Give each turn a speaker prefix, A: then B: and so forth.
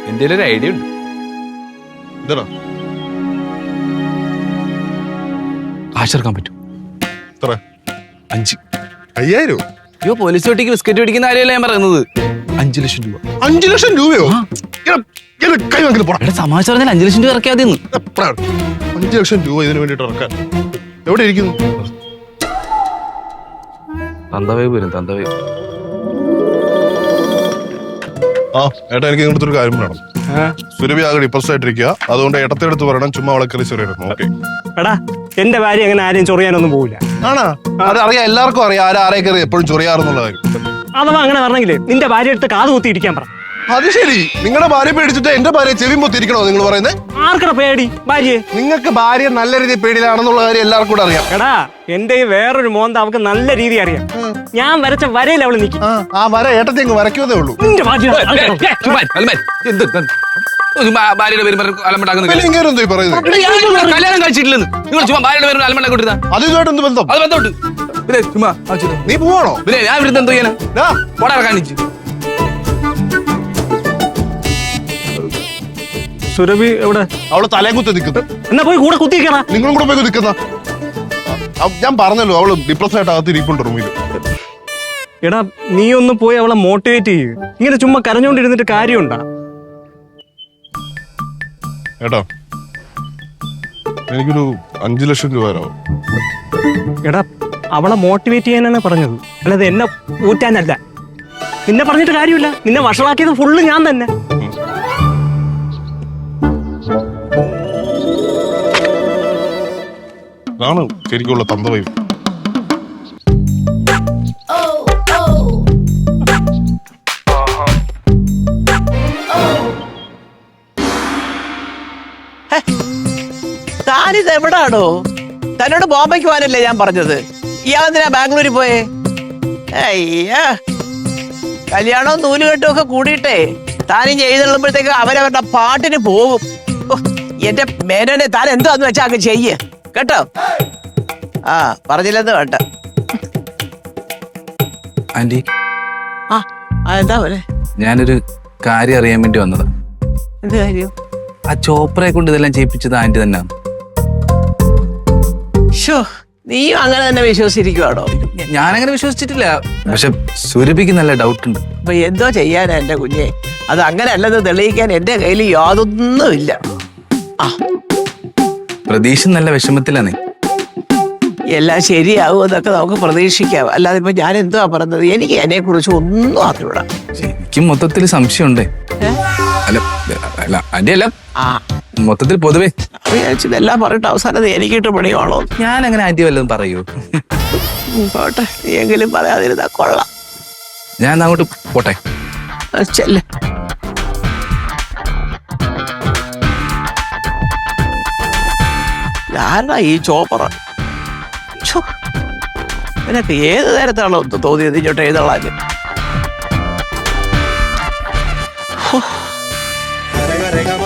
A: എന്റെ ഒരു ഐഡിയ ഉണ്ട്.
B: എന്താ
A: കാശെടുക്കാൻ പറ്റും. 5.
B: 5000?
A: അയ്യോ, പോലീസ് വെട്ടിക്ക് ബിസ്ക്കറ്റ് പിടിക്കുന്ന കാര്യമല്ല ഞാൻ പറയുന്നത്. 5 ലക്ഷം രൂപ.
B: 5 ലക്ഷം രൂപയോ? കൈ വാങ്ങിട്ട് പോടാ.
A: സമാജം പറഞ്ഞാൽ 5 ലക്ഷം രൂപ ഇറക്കിയാൽ മതി.
B: 5 ലക്ഷം രൂപ ഇതിനു വേണ്ടിട്ട് ഇറക്കാൻ എവിടെ ഇരിക്കുന്നു?
A: തന്തവേ വരും, തന്തവേ.
B: ആ ഏട്ടാ, എനിക്ക് ഇങ്ങനത്തെ ഒരു കാര്യം വേണം. സുരഭി ആകെ ഡിപ്രസ് ആയിട്ടിരിക്കുക. അതുകൊണ്ട് ഏട്ടത്തെടുത്ത് പറയണം ചുമ്മാ അവളെ കയറി ചെറിയായിരുന്നു. ഓക്കെ
C: എടാ, എന്റെ ഭാര്യ അങ്ങനെ ആരെയും ചൊറിയാനൊന്നും പോവില്ല.
B: ആണാ? അത് അറിയാം, എല്ലാവർക്കും അറിയാം ആരെ കയറി എപ്പോഴും ചൊറിയാറെന്നുള്ള കാര്യം.
C: അഥവാ അങ്ങനെ പറഞ്ഞെങ്കിലേ നിന്റെ ഭാര്യ എടുത്ത് കാത് കുത്തി ഇരിക്കാൻ പറ.
B: അത് ശരി, നിങ്ങളുടെ ഭാര്യ പേടിച്ചിട്ട് എന്റെ ഭാര്യ ചെവി പൊത്തിരിക്കണോ നിങ്ങൾ പറയുന്നത്?
C: ആർക്കട പേടി ഭാര്യയെ?
B: നിങ്ങൾക്ക് ഭാര്യ നല്ല രീതിയിൽ പേടിയിലാണെന്നുള്ള കാര്യം എല്ലാവർക്കും കൂടെ അറിയാം.
C: എടാ, എന്റെ വേറൊരു മോന്ത അവൾക്ക് നല്ല രീതി അറിയാം. ഞാൻ വരച്ച വരയിൽ അവള് നിൽക്കും.
B: ആ വര ഏട്ടത്തെ അങ്ങ് വരയ്ക്കുന്നതേ ഉള്ളൂ.
C: നിന്റെ ഭാര്യ
A: ഭാര്യയുടെ പേര് അലമ്പണ്ടാക്കുന്ന
B: എന്തോ പറയുന്നത്?
A: കല്യാണം കഴിച്ചിട്ടില്ലെന്ന് നിങ്ങൾ ചുമ്മാ ഭാര്യയുടെ പേര് അലമ്പണ്ടാക്കി കൊടുത്താ
B: അത് ഇതുമായിട്ട് എന്ത് ബന്ധം?
A: അത് ബന്ധമുണ്ട്. പിന്നെ ചുമ്മാ
B: നീ പോവാണോ?
A: പിന്നെ ഞാൻ ഇവിടുന്ന് എന്തോ ചെയ്യാനാ? പോടാ കാണിച്ചു.
C: സുരഭി എവിടെ?
B: അവള് തലയും കുത്തി നിൽക്കുന്നു.
C: എന്നാ പോയി കൂടെ കുത്തിയിരിക്കണ.
B: നിങ്ങളും കൂടെ പോയി നിൽക്കുന്ന. ഞാൻ പറഞ്ഞല്ലോ, അവള് ഡിപ്രസ് ആയിട്ട് അകത്ത് ഇരിപ്പുണ്ട് റൂമിൽ.
C: എടാ, നീ ഒന്ന് പോയി അവളെ മോട്ടിവേറ്റ് ചെയ്യ്. ഇങ്ങനെ ചുമ്മാ കരഞ്ഞോണ്ടിരുന്നിട്ട് കാര്യമുണ്ടാ?
B: ഏട്ടാ, എനിക്കൊരു 5 ലക്ഷം രൂപ തരാമോ?
C: എടാ, അവളെ മോട്ടിവേറ്റ് ചെയ്യാനാണ് പറഞ്ഞത്, അല്ലാതെ എന്നെ ഊറ്റാനല്ല. നിന്നെ പറഞ്ഞിട്ട് കാര്യമില്ല. നിന്നെ വഷളാക്കിയത് ഫുള്ള് ഞാൻ തന്നെ.
B: അതാണ് ശരിക്കുള്ള തന്തവയും.
D: താനിത് എവിടാണോ? തന്നോട് ബോംബെക്ക് പോകാനല്ലേ ഞാൻ പറഞ്ഞത്? ഇയാളെന്തിനാ ബാംഗ്ലൂരിൽ പോയേ? അയ്യാ, കല്യാണവും നൂലുകെട്ടും ഒക്കെ കൂടിയിട്ടേ താനും ചെയ്തുള്ളുമ്പോഴത്തേക്ക് അവരവരുടെ പാട്ടിന് പോകും. എന്റെ മേനോനെ താൻ എന്താന്ന് വെച്ചാ അങ്ങ് ചെയ്യ് കേട്ടോ. ആ പറഞ്ഞില്ലെന്ന് വേണ്ട.
A: ആന്റി,
D: എന്താ പോലെ?
A: ഞാനൊരു കാര്യം അറിയാൻ വേണ്ടി വന്നതാ.
D: എന്ത് കാര്യം?
A: ആ ചോപ്രയെ കൊണ്ട് ഇതെല്ലാം ചെയ്യിപ്പിച്ചത് ആന്റി തന്നെയാണ്.
D: നീയും അങ്ങനെ തന്നെ വിശ്വസിച്ചിരിക്കുവാണോ?
A: ഞാനങ്ങനെ വിശ്വസിച്ചിട്ടില്ല, പക്ഷെ സുരഭിക്ക് നല്ല ഡൗട്ട് ഉണ്ട്.
D: അപ്പൊ എന്തോ ചെയ്യാനാ എന്റെ കുഞ്ഞെ? അത് അങ്ങനെ അല്ലെന്ന് തെളിയിക്കാൻ എന്റെ കയ്യിൽ യാതൊന്നുമില്ല.
A: പ്രതീക്ഷ നല്ല വിഷമത്തിലാണേ.
D: എല്ലാം ശരിയാവും എന്നൊക്കെ നമുക്ക് പ്രതീക്ഷിക്കാം. അല്ലാതെ ഇപ്പൊ ഞാൻ എന്തുവാ പറഞ്ഞത്? എനിക്ക് അതിനെ കുറിച്ച് ഒന്നും അറിഞ്ഞൂടാ.
A: എനിക്ക് മൊത്തത്തിൽ സംശയമുണ്ടേ. അല്ല അല്ല ആന്റി, അല്ല മൊത്തത്തിൽ പൊതുവേ
D: ഇതെല്ലാം പറഞ്ഞിട്ട് അവസാനം എനിക്കിട്ട് പണിയാണോ?
A: ഞാൻ അങ്ങനെ ആന്റി വല്ലതും പറയൂ?
D: പോട്ടെ, നീ എങ്കിലും പറയാതിരുന്നാ കൊള്ളാം.
A: ഞാൻ അങ്ങോട്ട് പോട്ടെ.
D: ചെല്ല്. ആരാ ഈ ചോപ്പറ? നിനക്ക് ഏത് നേരത്താണോ തോന്നിയത് ഇങ്ങോട്ട് എഴുതള്ളാൻ?
B: രേഖ